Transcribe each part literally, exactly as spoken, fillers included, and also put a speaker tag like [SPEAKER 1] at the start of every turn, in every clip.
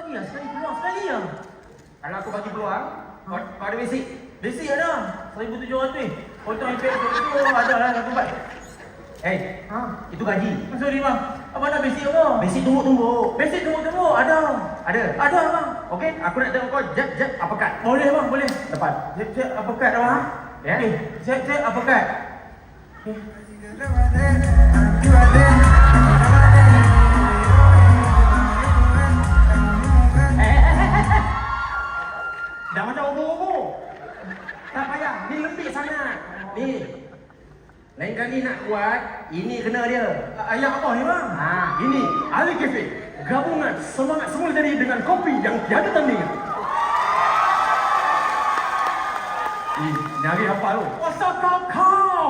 [SPEAKER 1] lagi lah, sekali peluang sekali lah.
[SPEAKER 2] Kalau aku bagi peluang, kau, kau ada basic.
[SPEAKER 1] Basic ada, seribu tujuh ratus. Potong impact tu ada lah satu bat.
[SPEAKER 2] Eh,
[SPEAKER 1] Ha?
[SPEAKER 2] itu gaji.
[SPEAKER 1] Sorry bang, abang nak basic apa?
[SPEAKER 2] Basic tumbuk-tumbuk.
[SPEAKER 1] Basic tunggu-tunggu, ada.
[SPEAKER 2] Ada?
[SPEAKER 1] Ada bang.
[SPEAKER 2] Okey, aku nak tengok kau jab jab uppercut.
[SPEAKER 1] Boleh bang, boleh.
[SPEAKER 2] Depan.
[SPEAKER 1] Jep, jep, uppercut dah bang.
[SPEAKER 2] Ya.
[SPEAKER 1] Okay, jep, jep, uppercut. Okay.
[SPEAKER 2] Dah macam obor-obor. Tak payah, ni lembik sangat. Ni. Lain kali nak kuat, ini kena dia.
[SPEAKER 1] Ayam apa ni bang?
[SPEAKER 2] Ha, ini Ali Cafe. Gabungan semangat semula jadi dengan kopi yang tiada tandingan. Ih, nyari apa lu?
[SPEAKER 1] What's up kau kau?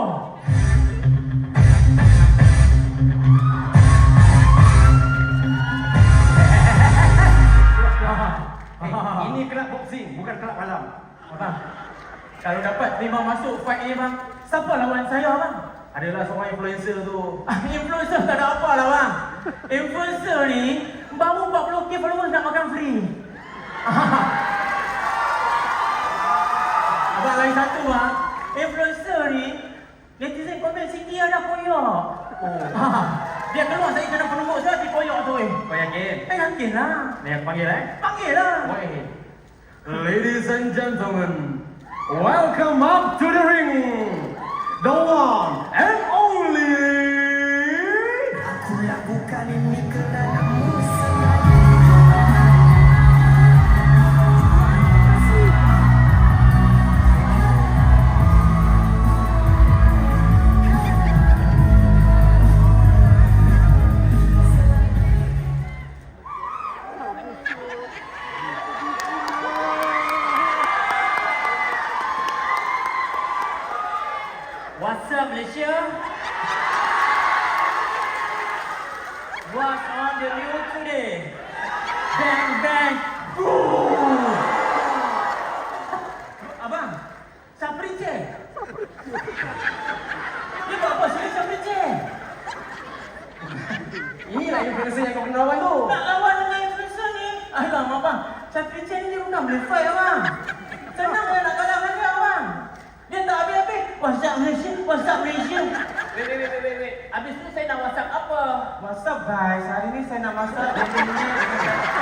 [SPEAKER 2] Eh, ini kelab boxing, bukan kelab malam.
[SPEAKER 1] Bang, kalau dapat terima masuk fight ni bang, siapa lawan saya bang?
[SPEAKER 2] Adalah seorang influencer tu.
[SPEAKER 1] Ah, influencer tak ada apa lah bang. Influencer ni baru empat puluh k followers nak makan free. Abang lain satu bang, influencer ni netizen komen sikit ada koyak. Oh. Dia keluar saya kena penumbuk saya di koyak tu eh.
[SPEAKER 2] Kau yakin?
[SPEAKER 1] Eh yakin lah.
[SPEAKER 2] Ni aku panggil eh?
[SPEAKER 1] Panggil lah.
[SPEAKER 2] Boleh. Ladies and gentlemen, welcome up to the ring, the one and only.
[SPEAKER 3] Aku lakukan ini kerana
[SPEAKER 1] What's up Malaysia? What's on the news today? Bang bang. Boom. Abang, Saprice. Dia buat apa sini Saprice?
[SPEAKER 2] Inilah influencer yang kau kena lawan tu.
[SPEAKER 1] Nak lawan dengan influencer ni? Alah abang, Saprice ni dia bukan boleh fight abang. Senang lah nak kalah dengan dia abang. Dia tak habis-habis. WhatsApp Malaysia, WhatsApp Malaysia. Wait, wait, wait, wait, wait. Habis tu saya nak WhatsApp apa? WhatsApp guys, hari ni saya nak masak.